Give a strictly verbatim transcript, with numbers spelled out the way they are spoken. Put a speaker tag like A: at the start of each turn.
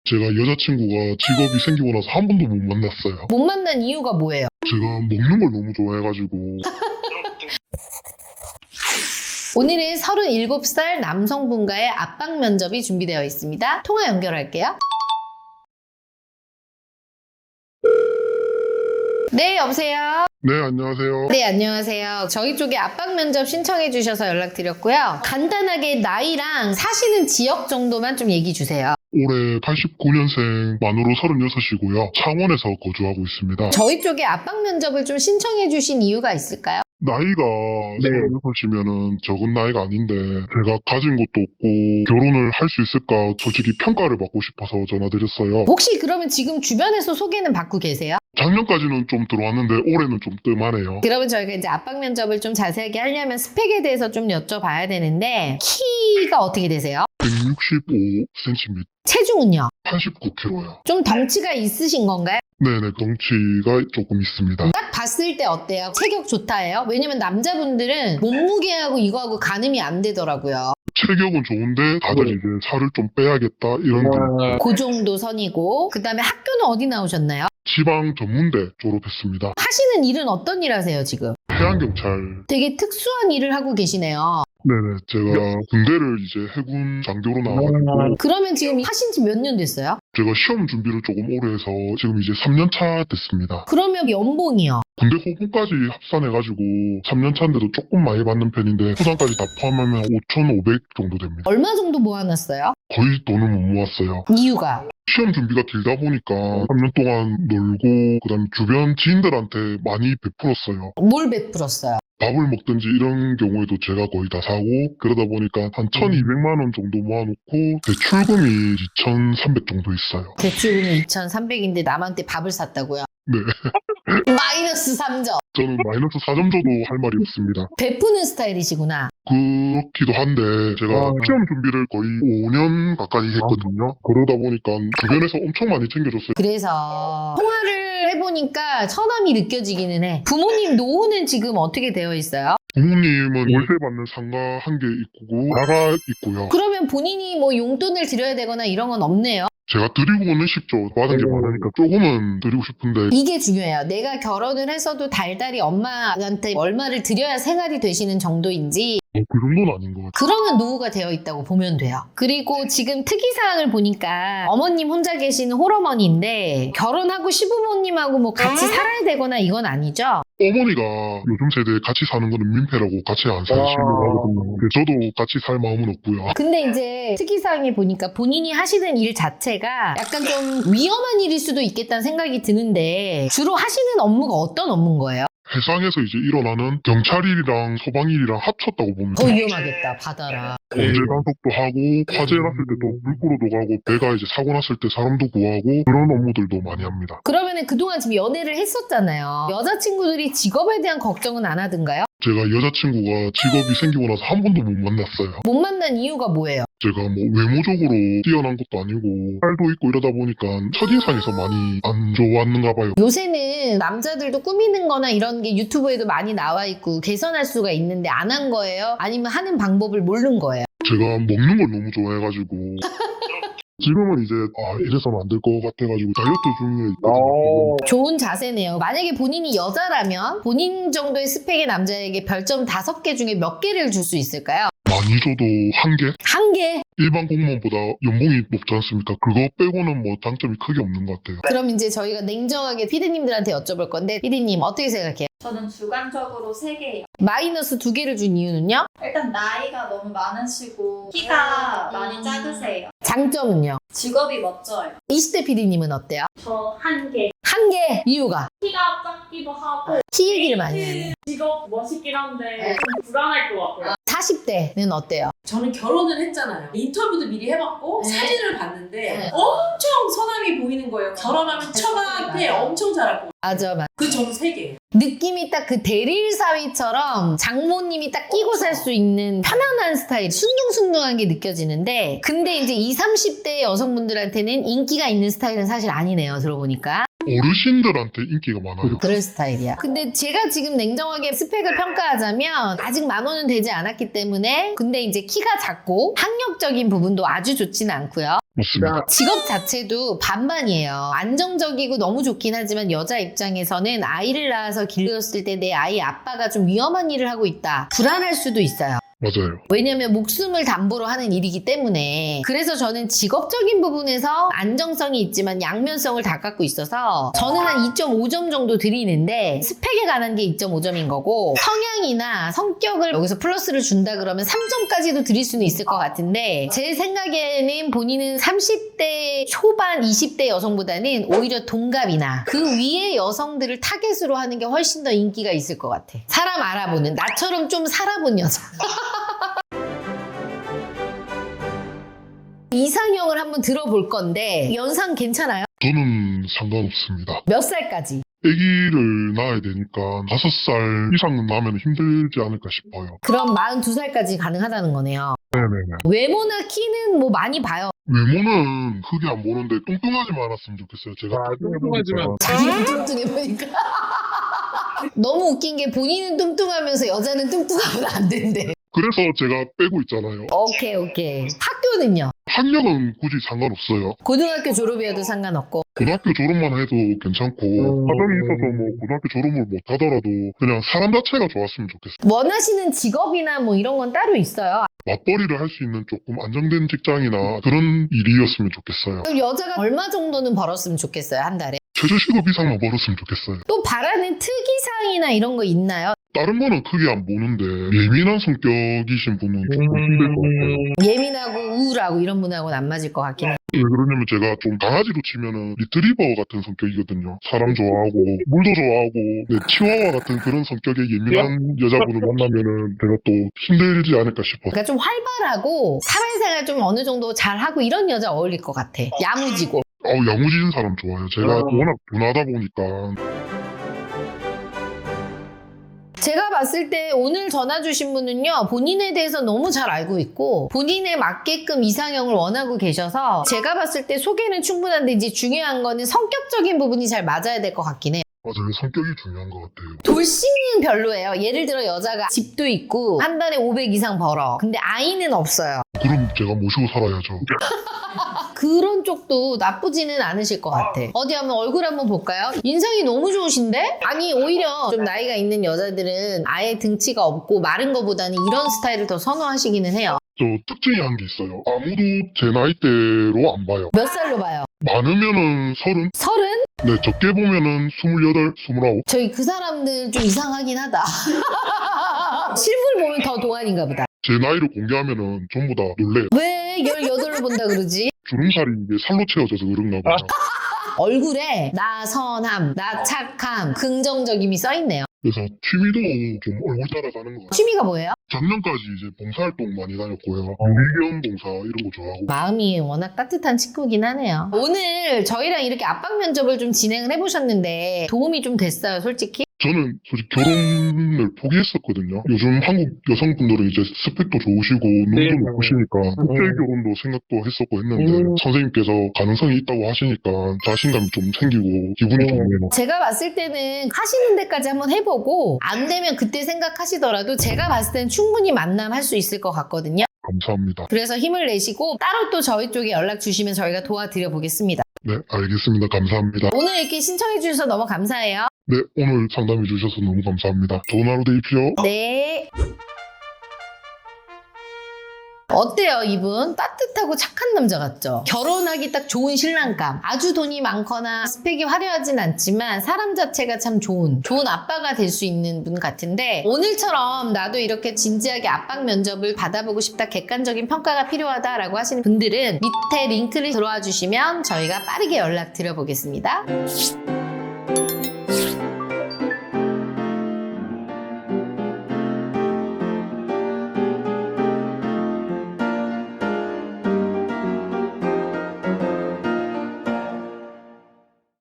A: 제가 여자친구가 직업이 생기고 나서 한 번도 못 만났어요.
B: 못 만난 이유가 뭐예요?
A: 제가 먹는 걸 너무 좋아해가지고.
B: 오늘은 서른일곱 살 남성분과의 압박 면접이 준비되어 있습니다. 통화 연결할게요. 네, 여보세요?
A: 네, 안녕하세요.
B: 네, 안녕하세요. 저희 쪽에 압박 면접 신청해 주셔서 연락드렸고요. 간단하게 나이랑 사시는 지역 정도만 좀 얘기 주세요.
A: 올해 팔십구 년생 만으로 서른여섯이고요. 창원에서 거주하고 있습니다.
B: 저희 쪽에 압박 면접을 좀 신청해 주신 이유가 있을까요?
A: 나이가
B: 네.
A: 서른여섯이면은 적은 나이가 아닌데 제가 가진 것도 없고 결혼을 할 수 있을까 솔직히 평가를 받고 싶어서 전화드렸어요.
B: 혹시 그러면 지금 주변에서 소개는 받고 계세요?
A: 작년까지는 좀 들어왔는데 올해는 좀 뜸하네요.
B: 그러면 저희가 이제 압박 면접을 좀 자세하게 하려면 스펙에 대해서 좀 여쭤봐야 되는데 키가 어떻게 되세요?
A: 백육십오 센티미터,
B: 체중은요?
A: 팔십구 킬로그램요.
B: 좀 덩치가 있으신 건가요?
A: 네네, 덩치가 조금 있습니다.
B: 딱 봤을 때 어때요? 체격 좋다예요? 왜냐면 남자분들은 몸무게하고 이거하고 가늠이 안 되더라고요.
A: 체격은 좋은데 다들 이제 살을 좀 빼야겠다 이런 게
B: 그 정도 선이고 그 다음에 학교는 어디 나오셨나요?
A: 지방 전문대 졸업했습니다.
B: 하시는 일은 어떤 일 하세요 지금?
A: 해양경찰.
B: 되게 특수한 일을 하고 계시네요.
A: 네네, 제가 군대를 이제 해군 장교로 나와가지고
B: 그러면 지금 하신 지 몇 년 됐어요?
A: 제가 시험 준비를 조금 오래 해서 지금 이제 삼 년 차 됐습니다.
B: 그러면 연봉이요?
A: 군대 호봉까지 합산해가지고 삼 년 차인데도 조금 많이 받는 편인데 후상까지 다 포함하면 오천오백 정도 됩니다.
B: 얼마 정도 모아놨어요?
A: 거의 돈을 못 모았어요.
B: 이유가?
A: 시험 준비가 길다 보니까 삼 년 동안 놀고 그다음에 주변 지인들한테 많이 베풀었어요.
B: 뭘 베풀었어요?
A: 밥을 먹든지 이런 경우에도 제가 거의 다 사고 그러다 보니까 한 천이백만 원 정도 모아놓고 대출금이 이천삼백 정도 있어요.
B: 대출금이 이천삼백인데 남한테 밥을 샀다고요?
A: 네.
B: 마이너스 삼 점.
A: 저는 마이너스 사 점 줘도 할 말이 없습니다.
B: 베푸는 스타일이시구나.
A: 그렇기도 한데 제가
B: 어.
A: 시험 준비를 거의 오 년 가까이 했거든요. 그러다 보니까 주변에서 엄청 많이 챙겨줬어요.
B: 그래서 통화를 해보니까 처남이 느껴지기는 해. 부모님 노후는 지금 어떻게 되어 있어요?
A: 부모님은 월세 받는 상가 한 개 있고 나가 있고요.
B: 그러면 본인이 뭐 용돈을 드려야 되거나 이런 건 없네요.
A: 제가 드리고는 싶죠. 받은 게 많으니까 조금은 드리고 싶은데
B: 이게 중요해요. 내가 결혼을 해서도 달달이 엄마한테 얼마를 드려야 생활이 되시는 정도인지
A: 어, 그 정도는 아닌 것 같아요.
B: 그러면 노후가 되어 있다고 보면 돼요. 그리고 지금 특이사항을 보니까 어머님 혼자 계시는 홀어머니인데 결혼하고 시부모님하고 뭐 같이 살아야 되거나 이건 아니죠?
A: 어머니가 요즘 세대에 같이 사는 거는 민폐라고 같이 안 사시려고 하거든요. 근데 저도 같이 살 마음은 없고요.
B: 근데 이제 특이사항에 보니까 본인이 하시는 일 자체가 약간 좀 위험한 일일 수도 있겠다는 생각이 드는데 주로 하시는 업무가 어떤 업무인 거예요?
A: 해상에서 이제 일어나는 경찰일이랑 소방일이랑 합쳤다고 보면
B: 더 위험하겠다, 바다라.
A: 범죄 단속도 하고 화재 났을 때 또 물고로도 가고 배가 이제 사고 났을 때 사람도 구하고 그런 업무들도 많이 합니다.
B: 그러면은 그동안 지금 연애를 했었잖아요. 여자친구들이 직업에 대한 걱정은 안 하던가요?
A: 제가 여자친구가 직업이 생기고 나서 한 번도 못 만났어요.
B: 못 만난 이유가 뭐예요?
A: 제가 뭐 외모적으로 뛰어난 것도 아니고 살도 있고 이러다 보니까 첫인상에서 많이 안 좋았는가 봐요.
B: 요새는 남자들도 꾸미는 거나 이런 게 유튜브에도 많이 나와 있고 개선할 수가 있는데 안 한 거예요? 아니면 하는 방법을 모르는 거예요?
A: 제가 먹는 걸 너무 좋아해가지고 지금은 이제 아 이래서는 안 될 것 같아가지고 다이어트 중에 있거든요.
B: 좋은 자세네요. 만약에 본인이 여자라면 본인 정도의 스펙의 남자에게 별점 다섯 개 중에 몇 개를 줄 수 있을까요?
A: 많이 줘도 한 개?
B: 한 개?
A: 일반 공무원보다 연봉이 높지 않습니까? 그거 빼고는 뭐 장점이 크게 없는 것 같아요.
B: 그럼 이제 저희가 냉정하게 피디님들한테 여쭤볼 건데 피디님 어떻게 생각해요?
C: 저는 주관적으로 세 개예요.
B: 마이너스 두 개를 준 이유는요?
C: 일단 나이가 너무 많으시고 키가 많이 작으세요.
B: 장점은요?
C: 직업이 멋져요.
B: 이십 대 피디님은 어때요?
D: 저 한 개.
B: 한 개! 이유가?
D: 키가 작기도 하고
B: 키 얘기를 많이 하네.
D: 직업 멋있긴 한데
B: 네.
D: 좀 불안할 것 같아요.
B: 사십 대는 어때요?
E: 저는 결혼을 했잖아요. 인터뷰도 미리 해봤고
B: 네.
E: 사진을 봤는데
B: 네.
E: 엄청 선함이 보이는 거예요. 결혼하면 처가한테 엄청 잘할 거예요.
B: 맞아, 맞아.
E: 그 저는 세 개예요.
B: 느낌이 딱 그 대릴 사위처럼 장모님이 딱 끼고 살 수 있는 편안한 스타일, 순둥순둥한 게 느껴지는데 근데 이제 이십, 삼십 대 여성분들한테는 인기가 있는 스타일은 사실 아니네요, 들어보니까.
A: 어르신들한테 인기가 많아요.
B: 그럴 스타일이야. 근데 제가 지금 냉정하게 스펙을 평가하자면 아직 만 원은 되지 않았기 때문에 근데 이제 키가 작고 학력적인 부분도 아주 좋지는 않고요.
A: 맞습니다.
B: 직업 자체도 반반이에요. 안정적이고 너무 좋긴 하지만 여자 입장에서는 아이를 낳아서 길렀을 때 내 아이 아빠가 좀 위험한 일을 하고 있다. 불안할 수도 있어요.
A: 맞아요.
B: 왜냐면 목숨을 담보로 하는 일이기 때문에. 그래서 저는 직업적인 부분에서 안정성이 있지만 양면성을 다 갖고 있어서 저는 한 이 점 오 점 정도 드리는데 스펙에 관한 게 이 점 오 점인 거고 성향이나 성격을 여기서 플러스를 준다 그러면 삼 점까지도 드릴 수는 있을 것 같은데 제 생각에는 본인은 삼십 대 초반 이십 대 여성보다는 오히려 동갑이나 그 위의 여성들을 타겟으로 하는 게 훨씬 더 인기가 있을 것 같아. 사람 알아보는, 나처럼 좀 살아본 여자. 이상형을 한번 들어볼 건데 연상 괜찮아요?
A: 저는 상관없습니다.
B: 몇 살까지?
A: 아기를 낳아야 되니까 다섯 살 이상은 나면 힘들지 않을까 싶어요.
B: 그럼 마흔두 살까지 가능하다는 거네요.
A: 네네네.
B: 외모나 키는 뭐 많이 봐요.
A: 외모는 크게 안 보는데 뚱뚱하지만 않았으면 좋겠어요. 제가
F: 아, 뚱뚱하지만.
B: 자기는 뚱뚱해 보니까. 너무 웃긴 게 본인은 뚱뚱하면서 여자는 뚱뚱하면 안 된대.
A: 그래서 제가 빼고 있잖아요.
B: 오케이 오케이. 학교는요?
A: 학력은 굳이 상관없어요.
B: 고등학교 졸업이어도 상관없고.
A: 고등학교 졸업만 해도 괜찮고 사정이 있어서 뭐 고등학교 졸업을 못 하더라도 그냥 사람 자체가 좋았으면 좋겠어요.
B: 원하시는 직업이나 뭐 이런 건 따로 있어요?
A: 맞벌이를 할 수 있는 조금 안정된 직장이나 그런 일이었으면 좋겠어요.
B: 그럼 여자가 얼마 정도는 벌었으면 좋겠어요, 한 달에?
A: 최저시급 이상만 벌었으면 좋겠어요.
B: 또 바라는 특이사항이나 이런 거 있나요?
A: 다른 거는 크게 안 보는데 예민한 성격이신 분은 조금 힘들 것 같아요.
B: 예민하고 우울하고 이런 분하고는 안 맞을 것 같긴 해요.
A: 왜 그러냐면 제가 좀 강아지로 치면은 리트리버 같은 성격이거든요. 사람 좋아하고 물도 좋아하고 네, 치와와 같은 그런 성격의 예민한 여자분을 만나면은 제가 또 힘들지 않을까 싶어서.
B: 그러니까 좀 활발하고 사회생활 좀 어느 정도 잘하고 이런 여자 어울릴 것 같아. 야무지고.
A: 아우 야무지는 사람 좋아요. 제가
F: 어.
A: 워낙 둔하다 보니까.
B: 제가 봤을 때 오늘 전화 주신 분은요, 본인에 대해서 너무 잘 알고 있고 본인에 맞게끔 이상형을 원하고 계셔서 제가 봤을 때 소개는 충분한데 이제 중요한 거는 성격적인 부분이 잘 맞아야 될 것 같긴 해요.
A: 맞아요. 성격이 중요한 것 같아요.
B: 돌싱은 별로예요. 예를 들어 여자가 집도 있고 한 달에 오백 이상 벌어. 근데 아이는 없어요.
A: 그럼 제가 모시고 살아야죠.
B: 그런 쪽도 나쁘지는 않으실 것 같아. 어디 한번 얼굴 한번 볼까요? 인상이 너무 좋으신데? 아니 오히려 좀 나이가 있는 여자들은 아예 등치가 없고 마른 거보다는 이런 스타일을 더 선호하시기는 해요.
A: 저 특징이 한 게 있어요. 아무도 제 나이대로 안 봐요.
B: 몇 살로 봐요?
A: 많으면은 서른?
B: 서른?
A: 네, 적게 보면은 스물여덟, 스물아홉.
B: 저희 그 사람들 좀 이상하긴 하다. 실물 보면 더 동안인가 보다.
A: 제 나이를 공개하면은 전부 다 놀래요.
B: 왜 열여덟로 본다 그러지?
A: 주름살이 이게 살로 채워져서 그런가 봐요.
B: 얼굴에 나 선함, 나 착함, 긍정적임이 써있네요.
A: 그래서 취미도 좀 얼굴 따라가는 것 같아요.
B: 취미가 뭐예요?
A: 작년까지 이제 봉사활동 많이 다녔고요. 유기견 봉사 이런 거 좋아하고.
B: 마음이 워낙 따뜻한 친구긴 하네요. 오늘 저희랑 이렇게 압박 면접을 좀 진행을 해보셨는데 도움이 좀 됐어요, 솔직히?
A: 저는 솔직히 결혼을 포기했었거든요. 요즘 한국 여성분들은 이제 스펙도 좋으시고 눈도
F: 네.
A: 높으시니까 국제 결혼도 생각도 했었고 했는데
F: 음.
A: 선생님께서 가능성이 있다고 하시니까 자신감이 좀 생기고 기분이
F: 네.
A: 좋네요.
B: 제가 봤을 때는 하시는 데까지 한번 해보고 안 되면 그때 생각하시더라도 제가 봤을 때는 충분히 만남할 수 있을 것 같거든요.
A: 감사합니다.
B: 그래서 힘을 내시고 따로 또 저희 쪽에 연락 주시면 저희가 도와드려 보겠습니다.
A: 네, 알겠습니다. 감사합니다.
B: 오늘 이렇게 신청해 주셔서 너무 감사해요.
A: 네, 오늘 상담해 주셔서 너무 감사합니다. 좋은 하루 되십시오.
B: 네. 어때요, 이분? 따뜻하고 착한 남자 같죠? 결혼하기 딱 좋은 신랑감. 아주 돈이 많거나 스펙이 화려하진 않지만 사람 자체가 참 좋은, 좋은 아빠가 될 수 있는 분 같은데 오늘처럼 나도 이렇게 진지하게 압박 면접을 받아보고 싶다, 객관적인 평가가 필요하다라고 하시는 분들은 밑에 링크를 들어와 주시면 저희가 빠르게 연락 드려보겠습니다.